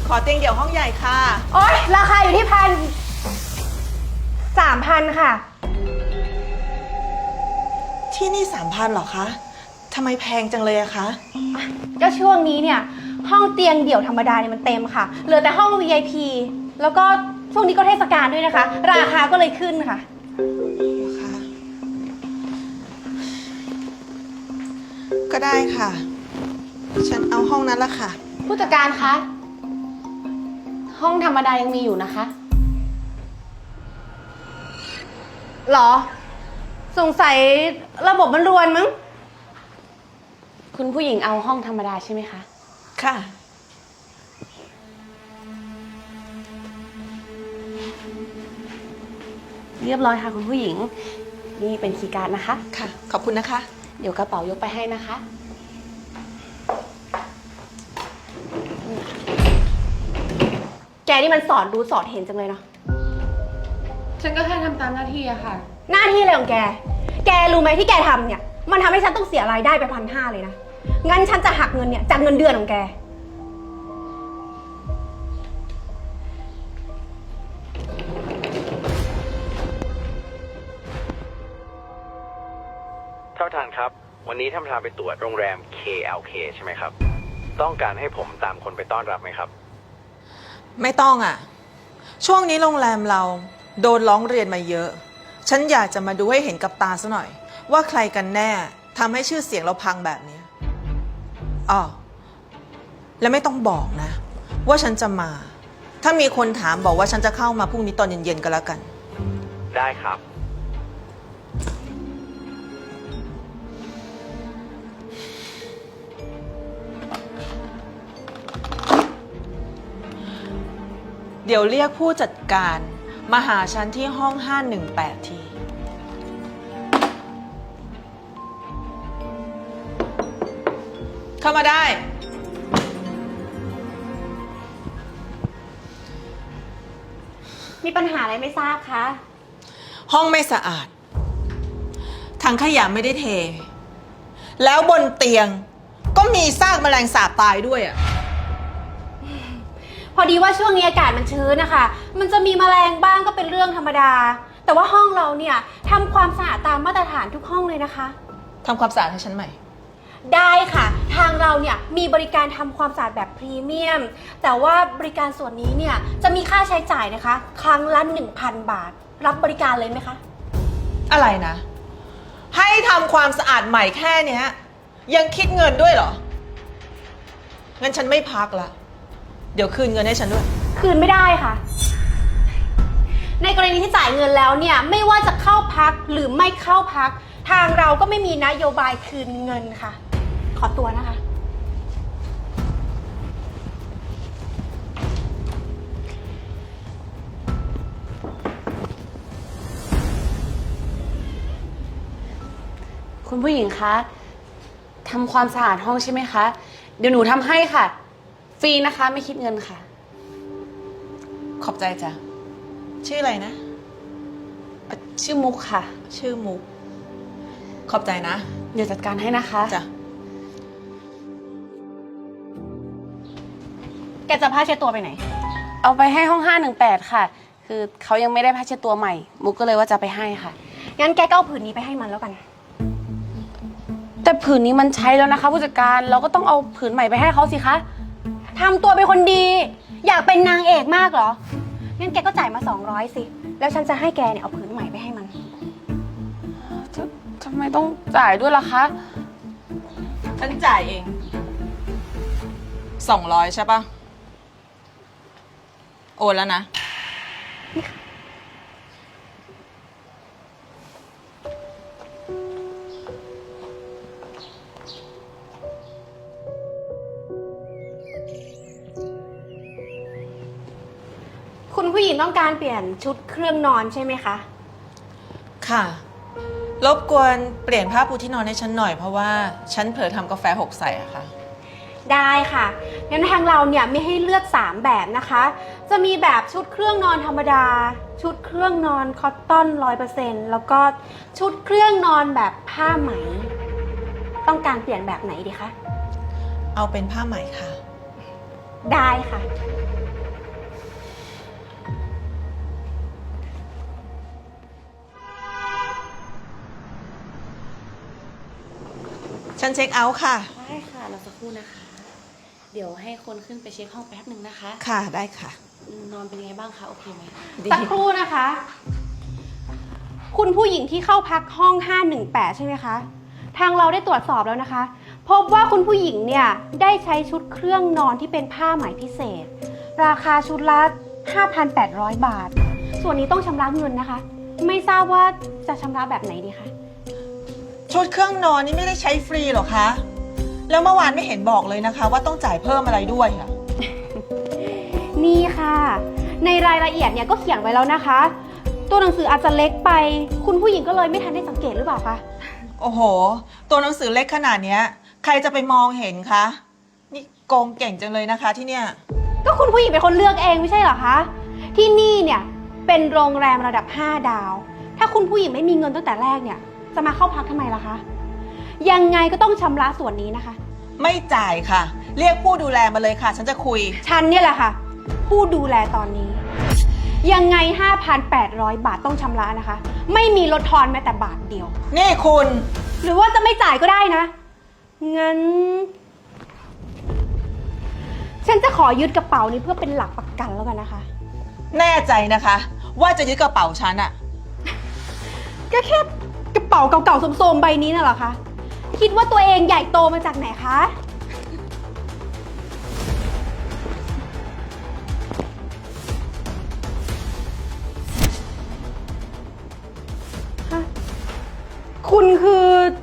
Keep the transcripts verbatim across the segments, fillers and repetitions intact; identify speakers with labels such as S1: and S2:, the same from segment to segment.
S1: ขอเตียงเดี่ยวห้องใหญ่ค่ะ
S2: โอ๊ยราคาอยู่ที่พันสามพันค่ะ
S1: ที่นี่สามพันหรอคะทำไมแพงจังเลยอะคะ
S2: ก็ช่วงนี้เนี่ยห้องเตียงเดี่ยวธรรมดาเนี่ยมันเต็มค่ะเหลือแต่ห้อง วี ไอ พี แล้วก็ช่วงนี้ก็เทศกาลด้วยนะคะราคาก็เลยขึ้นค่ะ
S1: ก็ได้ค่ะฉันเอาห้องนั้นละค่ะ
S3: ผู้จัดการคะห้องธรรมดายังมีอยู่นะคะ
S2: หรอสงสัยระบบมันรวนมั้ง
S3: คุณผู้หญิงเอาห้องธรรมดาใช่ไหมคะ
S1: ค่ะ
S3: เรียบร้อยค่ะคุณผู้หญิงนี่เป็นคีย์การ์ดนะคะ
S1: ค่ะขอบคุณนะคะ
S3: เดี๋ยวกระเป๋ายกไปให้นะคะ
S2: แกนี่มันสอนรู้สอนเห็นจังเลยเนาะ
S3: ฉันก็แค่ทำตามหน้าที่อะค่ะ
S2: หน้าที่อะไรของแกแกรู้ไหมที่แกทำเนี่ยมันทำให้ฉันต้องเสียรายได้ไปพันห้าเลยนะงั้นฉันจะหักเงินเนี่ยจากเงินเดือนของแก
S4: ท่านประธานครับวันนี้ท่านประธานไปตรวจโรงแรม เค แอล เค ใช่ไหมครับต้องการให้ผมตามคนไปต้อนรับไหมครับ
S1: ไม่ต้องอ่ะช่วงนี้โรงแรมเราโดนร้องเรียนมาเยอะฉันอยากจะมาดูให้เห็นกับตาซะหน่อยว่าใครกันแน่ทำให้ชื่อเสียงเราพังแบบนี้อ๋อและไม่ต้องบอกนะว่าฉันจะมาถ้ามีคนถามบอกว่าฉันจะเข้ามาพรุ่งนี้ตอนเย็นๆก็แล้วกัน
S4: ได้ครับ
S1: เดี๋ยวเรียกผู้จัดการมาหาฉันที่ห้องห้าหนึ่งแปดทีเข้ามาได้
S2: มีปัญหาอะไรไม่ทราบคะ
S1: ห้องไม่สะอาดถังขยะไม่ได้เทแล้วบนเตียงก็มีซากแมลงสาบตายด้วยอ่ะ
S2: พอดีว่าช่วงนี้อากาศมันชื้นนะคะมันจะมีแมลงบ้างก็เป็นเรื่องธรรมดาแต่ว่าห้องเราเนี่ยทำความสะอาดตามมาตรฐานทุกห้องเลยนะคะ
S1: ทำความสะอาดให้ฉันใหม่
S2: ได้ค่ะทางเราเนี่ยมีบริการทำความสะอาดแบบพรีเมียมแต่ว่าบริการส่วนนี้เนี่ยจะมีค่าใช้จ่ายนะคะครั้งละ หนึ่งพัน บาทรับบริการเลยไหมคะ
S1: อะไรนะให้ทำความสะอาดใหม่แค่เนี้ยยังคิดเงินด้วยเหรองั้นฉันไม่พักละเดี๋ยวคืนเงินให้ฉันด้วย
S2: คืนไม่ได้ค่ะในกรณีที่จ่ายเงินแล้วเนี่ยไม่ว่าจะเข้าพักหรือไม่เข้าพักทางเราก็ไม่มีนโยบายคืนเงินค่ะขอตัวนะคะ
S3: คุณผู้หญิงคะทำความสะอาดห้องใช่ไหมคะเดี๋ยวหนูทำให้ค่ะฟรีนะคะไม่คิดเงินค่ะ
S1: ขอบใจจ้ะชื่ออะไรนะ
S3: ชื่อมุกค่ะ
S1: ชื่อมุกขอบใจนะ
S3: เดี๋ยวจัดการให้นะคะ
S1: จ้ะ
S2: แกจะผ้าเช็ดตัวไปไหน
S3: เอาไปให้ห้องห้าหนึ่งแปดค่ะคือเขายังไม่ได้ผ้าเช็ดตัวใหม่มุกก็เลยว่าจะไปให้ค่ะ
S2: งั้นแกก็เอาผืนนี้ไปให้มันแล้วกัน
S3: แต่ผืนนี้มันใช้แล้วนะคะผู้จัดการเราก็ต้องเอาผืนใหม่ไปให้เขาสิคะ
S2: ทำตัวเป็นคนดีอยากเป็นนางเอกมากเหรองั้นแกก็จ่ายมาสองร้อยสิแล้วฉันจะให้แกเนี่ยเอาผืนใหม่ไปให้มัน
S3: ทำไมต้องจ่ายด้วยล่ะคะ
S1: ฉันจ่ายเองสองร้อยใช่ปะโอนแล้วนะ
S2: คุณผู้หญิงต้องการเปลี่ยนชุดเครื่องนอนใช่ไหมคะ
S1: ค่ะรบกวนเปลี่ยนผ้าปูที่นอนให้ฉันหน่อยเพราะว่าฉันเผลอทำกาแฟหกใส่อะค่ะ
S2: ได้ค่ะงั้นทางเราเนี่ยมีให้เลือกสามแบบนะคะจะมีแบบชุดเครื่องนอนธรรมดาชุดเครื่องนอนคอตตอน ร้อยเปอร์เซ็นต์ แล้วก็ชุดเครื่องนอนแบบผ้าไหมต้องการเปลี่ยนแบบไหนดีคะ
S1: เอาเป็นผ้าไหมค่ะ
S2: ได้ค่ะ
S1: ฉันเช็คเอาท์ค่ะ
S3: ได้ค่ะเราสักครู่นะคะ เดี๋ยวให้คนขึ้นไปเช็คห้องแป๊บหนึ่งนะคะ
S1: ค่ะได้ค่ะ
S3: นอนเป็นยังไงบ้างคะโอเคไหม
S2: สักครู่นะคะ คุณผู้หญิงที่เข้าพักห้องห้าหนึ่งแปดใช่ไหมคะ ทางเราได้ตรวจสอบแล้วนะคะ พบว่าคุณผู้หญิงเนี่ยได้ใช้ชุดเครื่องนอนที่เป็นผ้าไหมพิเศษ ราคาชุดละ ห้าพันแปดร้อย บาท ส่วนนี้ต้องชำระเงินนะคะ ไม่ทราบว่าจะชำระแบบไหนดีคะ
S1: ชุดเครื่องนอนนี่ไม่ได้ใช้ฟรีหรอคะ แล้วเมื่อวานไม่เห็นบอกเลยนะคะ ว่าต้องจ่ายเพิ่มอะไรด้วยอะ
S2: นี่ค่ะ ในรายละเอียดเนี่ยก็เขียนไว้แล้วนะคะ ตัวหนังสืออาจจะเล็กไป คุณผู้หญิงก็เลยไม่ทันได้สังเกตหรือเปล่าคะ
S1: โอ้โห ตัวหนังสือเล็กขนาดเนี้ย ใครจะไปมองเห็นคะ นี่โกงเก่งจังเลยนะคะที่เนี่ย
S2: ก็คุณผู้หญิงเป็นคนเลือกเองไม่ใช่เหรอคะ ที่นี่เนี่ยเป็นโรงแรมระดับห้าดาว ถ้าคุณผู้หญิงไม่มีเงินตั้งแต่แรกเนี่ย จะมาเข้าพักทำไมล่ะคะ ยังไงก็ต้องชำระส่วนนี้นะคะ
S1: ไม่จ่ายค่ะ เรียกผู้ดูแลมาเลยค่ะ ฉันจะคุย
S2: ฉันเนี่ยแหละค่ะ ผู้ดูแลตอนนี้ ยังไง ห้าพันแปดร้อย บาทต้องชำระนะคะ ไม่มีลดทอนแม้แต่บาทเดียว
S1: นี่คุณ
S2: หรือว่าจะไม่จ่ายก็ได้นะ งั้น ฉันจะขอยึดกระเป๋านี้เพื่อเป็นหลักประกันแล้วกันนะคะ
S1: แน่ใจนะคะ ว่าจะยึดกระเป๋าฉันอะ
S2: ก็แค่กระเป๋าเก่าๆโสมๆใบนี้น่ะเหรอคะ คิดว่าตัวเองใหญ่โตมาจากไหนคะ ฮะ คุณคือ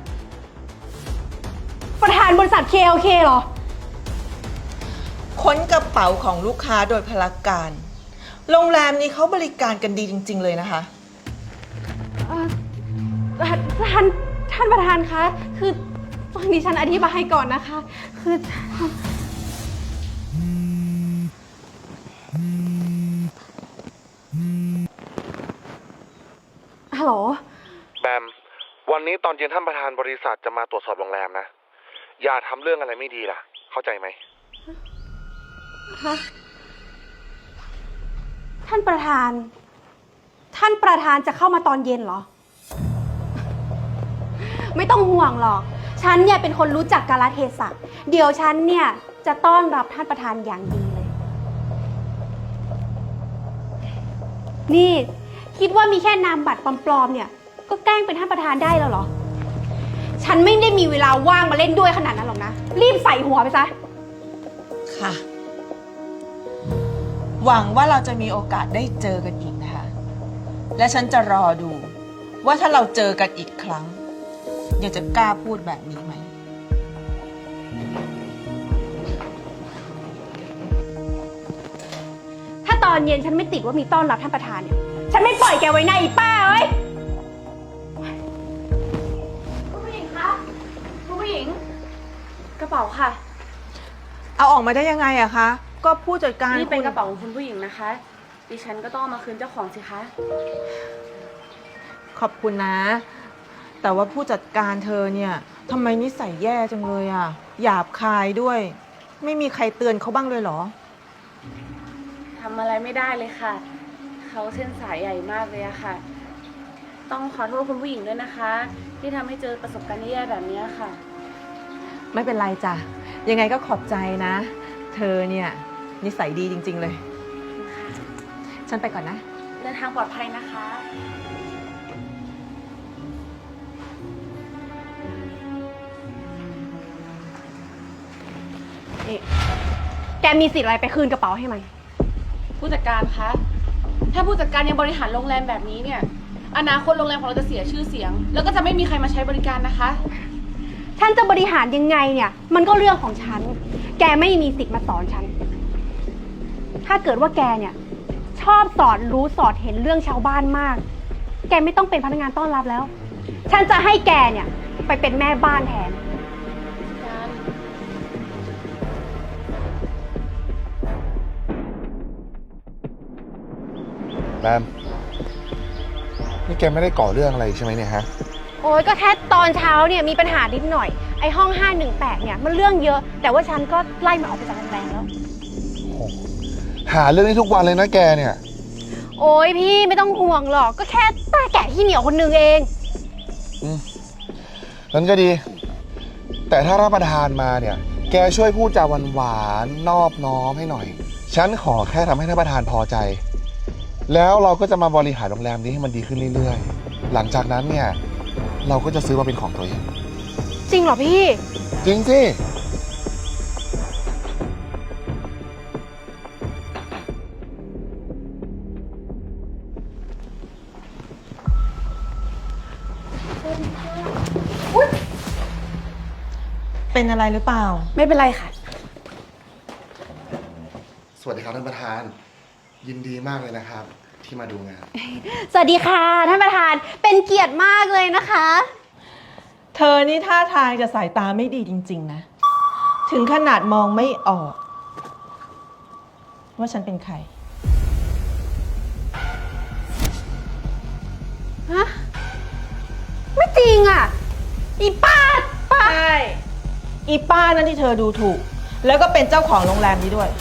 S2: ประธานบริษัท เค แอล เค เหรอ
S1: ค้นกระเป๋าของลูกค้าโดยพลการ โรงแรมนี้เขาบริการกันดีจริง ๆ เลยนะคะ
S2: เอ่อท่านท่านประธานคะ คือฟังดิฉันอธิบายก่อนนะคะ คือฮัลโหล
S5: แบม วันนี้ตอนเย็นท่านประธานบริษัทจะมาตรวจสอบโรงแรมนะ อย่าทำเรื่องอะไรไม่ดีล่ะ เข้าใจไหม
S2: ฮะ ท่านประธาน ท่านประธานจะเข้ามาตอนเย็นเหรอ ไม่ต้องห่วงหรอก ฉันเนี่ยเป็นคนรู้จักกาลเทศะ เดี๋ยวฉันเนี่ยจะต้อนรับท่านประธานอย่างดีเลย นี่คิดว่ามีแค่นามบัตรปลอมๆเนี่ย ก็แกล้งเป็นท่านประธานได้แล้วเหรอ ฉันไม่ได้มีเวลาว่างมาเล่นด้วยขนาดนั้นหรอกนะ รีบใส่หัวไปซะ
S1: ค่ะ หวังว่าเราจะมีโอกาสได้เจอกันอีกนะคะ และฉันจะรอดู ว่าถ้าเราเจอกันอีกครั้งยังจะกล้าพูดแบบนี้ไหม
S2: ถ้าตอนเย็นฉันไม่ติดว่ามีต้อนรับท่านประธานเนี่ย ฉันไม่ปล่อยแกไว้หน้าอีป้าเอ้ย
S3: คุณผู้หญิงคะคุณผู้หญิง กระเป๋าค่ะ
S1: เอาออกมาได้ยังไงอะคะ ก็ผู้จัดการ
S3: นี่เป็น
S1: คุณ
S3: กระเป๋าของคุณผู้หญิงนะคะ ดิฉันก็ต้องเอามาคืนเจ้าของสิคะ
S1: ขอบคุณนะ แต่ว่าผู้จัดการเธอเนี่ยทำไมนิสัยแย่จังเลยอะหยาบคายด้วย ไม่มีใครเตือนเขาบ้างเลยเหรอ
S3: ทำอะไรไม่ได้เลยค่ะ เขาเส้นสายใหญ่มากเลยอะค่ะ ต้องขอโทษคุณผู้หญิงด้วยนะคะ ที่ทำให้เจอประสบการณ์แย่แบบนี้ค่ะ
S1: ไม่เป็นไรจ้ะ ยังไงก็ขอบใจนะ เธอเนี่ยนิสัยดีจริง ๆ เลย ฉันไปก่อนนะ
S3: เดินทางปลอดภัยนะคะ
S2: นี่แกมีสิทธิ์อะไรไปคืนกระเป๋าให้มัน
S3: ผู้จัดการคะ ถ้าผู้จัดการยังบริหารโรงแรมแบบนี้เนี่ย อนาคตโรงแรมของเราจะเสียชื่อเสียง แล้วก็จะไม่มีใครมาใช้บริการนะคะ
S2: ฉันจะบริหารยังไงเนี่ย มันก็เรื่องของฉัน แกไม่มีสิทธิ์มาสอนฉัน ถ้าเกิดว่าแกเนี่ย ชอบสอนรู้สอดเห็นเรื่องชาวบ้านมาก แกไม่ต้องเป็นพนักงานต้อนรับแล้ว ฉันจะให้แกเนี่ย ไปเป็นแม่บ้านแทน
S5: แบม นี่แกไม่ได้ก่อเรื่องอะไรใช่ไหมเนี่ยฮะ
S2: โอ้ยก็แค่ตอนเช้าเนี่ยมีปัญหานิดหน่อย ไอ้ห้องห้าหนึ่งแปดเนี่ยมันเรื่องเยอะ แต่ว่าฉันก็ไล่มันออกไปจากโรงแรมแล้ว
S5: หาเรื่องนี้ทุกวันเลยนะแกเนี่ย
S2: โอ้ยพี่ไม่ต้องห่วงหรอก ก็แค่ตาแก่ที่เหนียวคนนึงเอง
S5: นั้นก็ดี แต่ถ้ารับประทานมาเนี่ย แกช่วยพูดจาหวานๆนอบน้อมให้หน่อย ฉันขอแค่ทำให้ท่านประธานพอใจ แล้วเราก็จะมาบริหารโรงแรมนี้ให้มันดีขึ้นเรื่อยๆ หลังจากนั้นเนี่ย เราก็จะซื้อมาเป็นของตัวเอง
S2: จริงเหรอพี่
S5: จริงสิ
S1: เป็นอะไรหรือเปล่า
S2: ไม่เป็นไรค่ะ
S5: สวัสดีครับท่านประธาน ยินดีมากเลยนะครับ ที่มาดูงาน
S2: สวัสดีค่ะท่านประธาน เป็นเกียรติมากเลยนะคะ
S1: เธอนี่ท่าทางจะสายตาไม่ดีจริงๆนะ ถึงขนาดมองไม่ออก ว่าฉันเป็นใคร
S2: ฮะ ไม่จริงอ่ะ อีป้าป้า
S1: ใช่ อีป้านั่นที่เธอดูถูก แล้วก็เป็นเจ้าของโรงแรมนี้ด้วย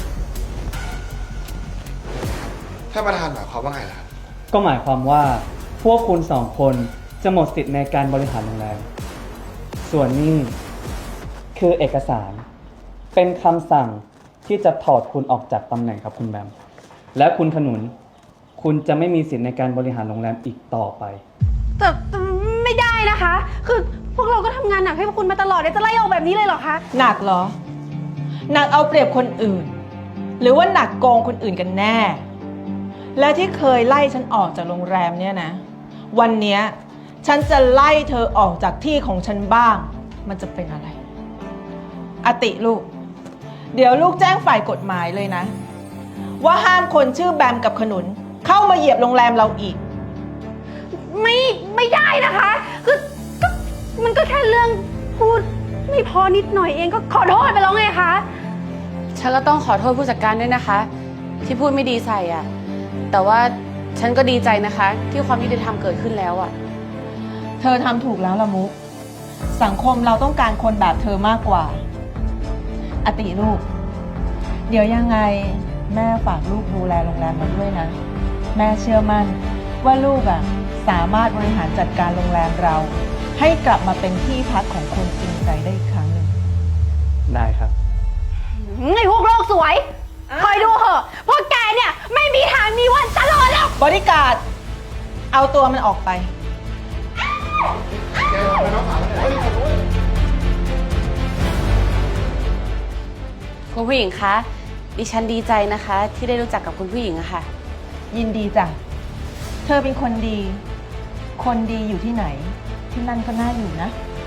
S5: ท่านประธานหมายความว่าไงล่ะครับ
S6: ก็หมายความว่าพวกคุณสองคนจะหมดสิทธิ์ในการบริหารโรงแรม ส่วนนี้คือเอกสาร เป็นคำสั่งที่จะถอดคุณออกจากตำแหน่งครับคุณแบม และคุณขนุน คุณจะไม่มีสิทธิ์ในการบริหารโรงแรมอีกต่อไป
S2: แต่แต่ไม่ได้นะคะ คือพวกเราก็ทำงานหนักให้พวกคุณมาตลอดเลยจะไล่ออกแบบนี้เลยเหรอคะ
S1: หนักเหรอ หนักเอาเปรียบคนอื่น หรือว่าหนักโกงคนอื่นกันแน่ และที่เคยไล่ฉันออกจากโรงแรมเนี่ยนะ วันเนี้ยฉันจะไล่เธอออกจากที่ของฉันบ้าง มันจะเป็นอะไร อติลูก เดี๋ยวลูกแจ้งฝ่ายกฎหมายเลยนะ ว่าห้ามคนชื่อแบมกับขนุน เข้ามาเหยียบโรงแรมเราอีก
S2: ไม่ไม่ได้นะคะ คือก็มันก็แค่เรื่องพูดไม่พอนิดหน่อยเองก็ขอโทษไปแล้วไงคะ
S3: ฉันก็ต้องขอโทษผู้จัดการด้วยนะคะ ที่พูดไม่ดีใส่อะแต่ว่าฉันก็ดีใจนะคะ ที่ความยุติธรรมเกิดขึ้นแล้วอะ
S1: เธอทำถูกแล้วละมุก สังคมเราต้องการคนแบบเธอมากกว่า อติลูก เดี๋ยวยังไงแม่ฝากลูกดูแลโรงแรมมาด้วยนะ แม่เชื่อมั่นว่าลูกอ่ะสามารถบริหารจัดการโรงแรมเรา ให้กลับมาเป็นที่พักของคนจริงใจได้อีกครั้งหนึ่ง
S6: ได้ครับ
S2: ไอ้พวกโลกสวย คอยดูเหอะพวกแกเนี่ยไม่มีทางมีวันตลอดแล้ว
S1: บริการดเอาตัวมันออกไป
S3: คุณผู้หญิงคะ ดิฉันดีใจนะคะ ที่ได้รู้จักกับคุณผู้หญิงอะค่ะ
S1: ยินดีจ้ะ เธอเป็นคนดี คนดีอยู่ที่ไหน ที่นั่นก็น่าอยู่นะ